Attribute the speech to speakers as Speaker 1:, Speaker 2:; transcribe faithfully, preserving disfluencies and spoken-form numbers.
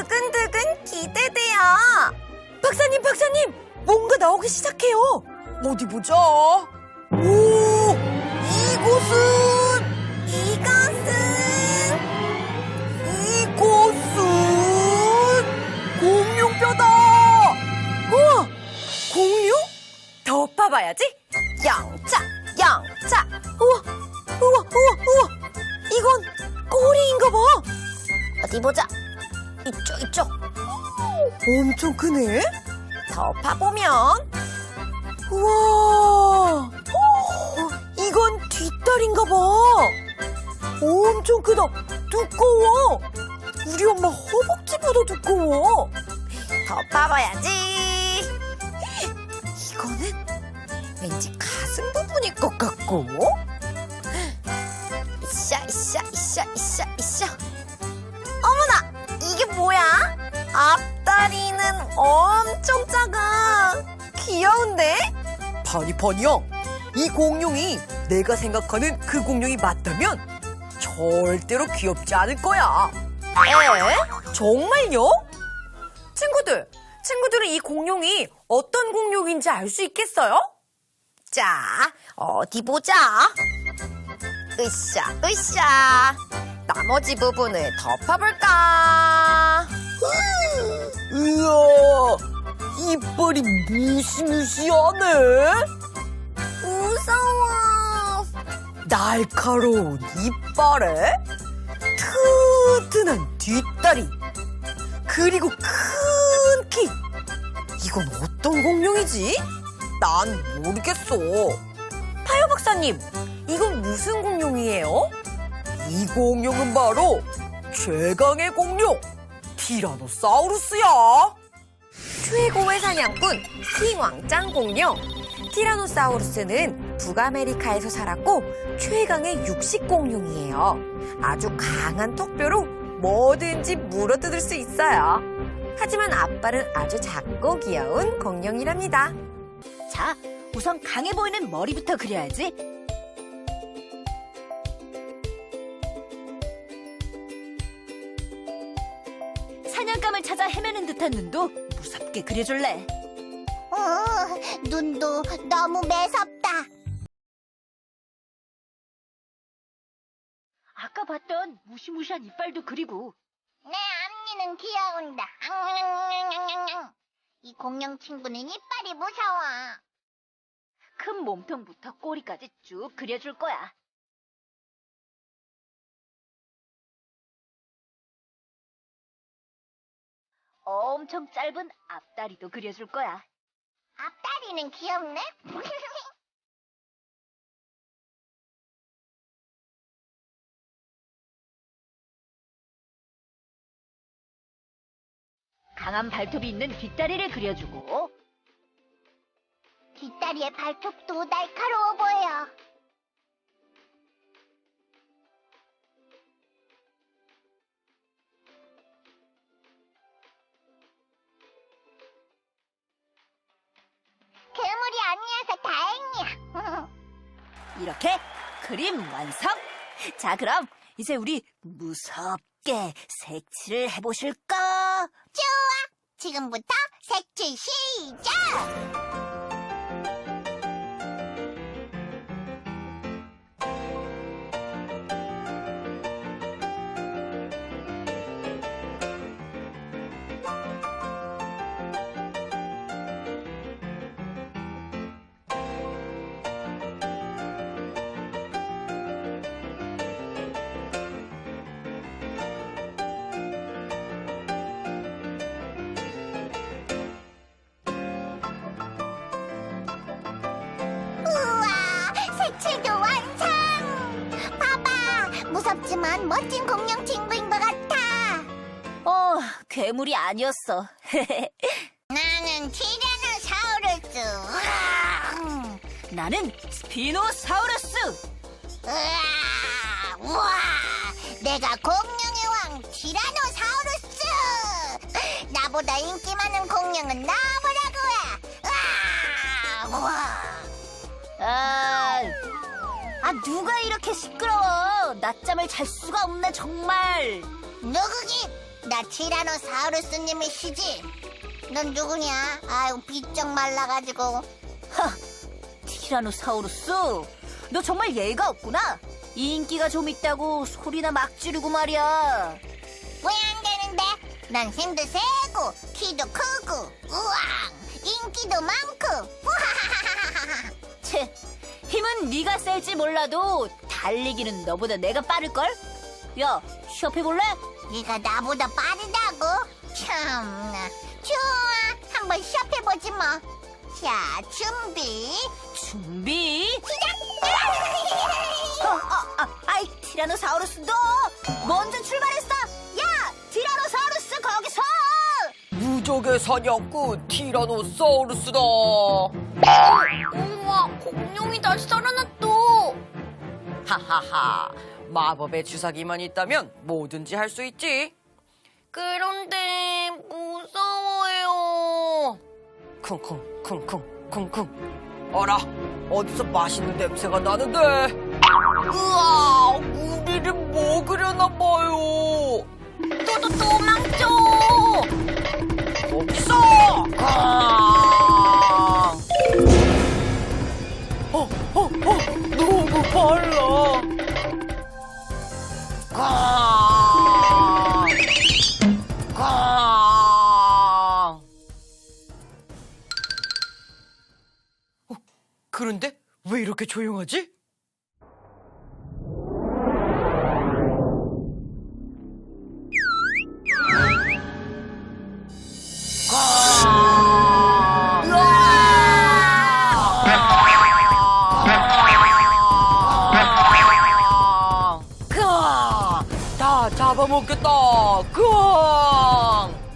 Speaker 1: 두근두근 기대돼요.
Speaker 2: 박사님, 박사님! 뭔가 나오기 시작해요. 어디 보자. 오! 이곳은!
Speaker 1: 이것은
Speaker 2: 이곳은! 공룡뼈다! 우와! 공룡? 더 파봐야지.
Speaker 1: 영차, 영차.
Speaker 2: 우와! 우와! 우와! 우와! 이건 꼬리인가 봐.
Speaker 1: 어디 보자. 이쪽, 이쪽.
Speaker 2: 엄청 크네?
Speaker 1: 더 파보면
Speaker 2: 우와! 어, 이건 뒷다리인가 봐. 엄청 크다. 두꺼워. 우리 엄마 허벅지보다 두꺼워.
Speaker 1: 더 파봐야지.
Speaker 2: 이거는 왠지 가슴 부분일 것 같고.
Speaker 1: 이샤, 이샤, 이샤, 이샤, 이샤. 어머나, 이게 뭐야? 앞다리는 엄청 작아. 귀여운데?
Speaker 2: 파니파니야, 이 공룡이 내가 생각하는 그 공룡이 맞다면 절대로 귀엽지 않을 거야.
Speaker 1: 에?
Speaker 2: 정말요? 친구들, 친구들은 이 공룡이 어떤 공룡인지 알 수 있겠어요?
Speaker 1: 자, 어디 보자. 으쌰, 으쌰. 나머지 부분을 덮어볼까?
Speaker 2: 우와, 이빨이 무시무시하네.
Speaker 1: 무서워.
Speaker 2: 날카로운 이빨에 튼튼한 뒷다리, 그리고 큰 키. 이건 어떤 공룡이지? 난 모르겠어. 파요 박사님, 이건 무슨 공룡이에요? 이 공룡은 바로 최강의 공룡, 티라노사우루스야.
Speaker 1: 최고의 사냥꾼 킹왕짱 공룡. 티라노사우루스는 북아메리카에서 살았고 최강의 육식 공룡이에요. 아주 강한 턱뼈로 뭐든지 물어뜯을 수 있어요. 하지만 앞발은 아주 작고 귀여운 공룡이랍니다.
Speaker 3: 자, 우선 강해 보이는 머리부터 그려야지. 사냥감을 찾아 헤매는 듯한 눈도 무섭게 그려줄래.
Speaker 4: 어, 눈도 너무 매섭다.
Speaker 3: 아까 봤던 무시무시한 이빨도 그리고.
Speaker 4: 내 앞니는 귀여운다. 이 공룡 친구는 이빨이 무서워.
Speaker 3: 큰 몸통부터 꼬리까지 쭉 그려줄 거야. 엄청 짧은 앞다리도 그려줄 거야.
Speaker 4: 앞다리는 귀엽네.
Speaker 3: 강한 발톱이 있는 뒷다리를 그려주고.
Speaker 4: 뒷다리의 발톱도 날카로워 보여. 괴물이 아니어서 다행이야.
Speaker 3: 이렇게 그림 완성! 자, 그럼 이제 우리 무섭게 색칠을 해보실까?
Speaker 4: 좋아. 지금부터 색칠 시작. 색칠도 완성! 봐봐! 무섭지만 멋진 공룡 친구인 것 같아.
Speaker 3: 어, 괴물이 아니었어.
Speaker 4: 나는 티라노사우루스. 우와!
Speaker 3: 나는 스피노사우루스.
Speaker 4: 우와! 우와! 내가 공룡의 왕 티라노사우루스. 나보다 인기 많은 공룡은 나보라고 해. 우와! 우와!
Speaker 3: 아, 아, 누가 이렇게 시끄러워. 낮잠을 잘 수가 없네, 정말.
Speaker 4: 누구긴 나 티라노사우루스님이시지? 넌 누구냐? 아유, 비쩍 말라가지고.
Speaker 3: 티라노사우루스, 너 정말 예의가 없구나. 인기가 좀 있다고 소리나 막 지르고 말이야.
Speaker 4: 왜 안 되는데? 난 힘도 세고, 키도 크고, 우왕! 인기도 많고, 우하하하하하!
Speaker 3: 채, 힘은 네가 셀지 몰라도 달리기는 너보다 내가 빠를걸? 야, 시합해볼래?
Speaker 4: 네가 나보다 빠르다고? 참나. 좋아, 한번 시합해보지 뭐. 자, 준비.
Speaker 3: 준비.
Speaker 4: 시작!
Speaker 3: 어, 어, 아, 아이, 티라노사우루스 너 먼저 출발했어. 야, 티라노사우루스 거기서.
Speaker 2: 무적의 사냥꾼 티라노사우루스다.
Speaker 1: 우와, 공룡이 다시 살아났다.
Speaker 2: 하하하. 마법의 주사기만 있다면 뭐든지 할 수 있지.
Speaker 1: 그런데 무서워요.
Speaker 2: 쿵쿵 쿵쿵 쿵쿵. 어라, 어디서 맛있는 냄새가 나는데. 으아, 우리를 먹으려나 봐요.
Speaker 1: 또또 도망쳐.
Speaker 2: 거기서. 어, 어, 어, 너무 빨라. 꽝! 꽝! 어, 그런데 왜 이렇게 조용하지? 꽝! 으아! 다 잡아먹겠다. 꽝!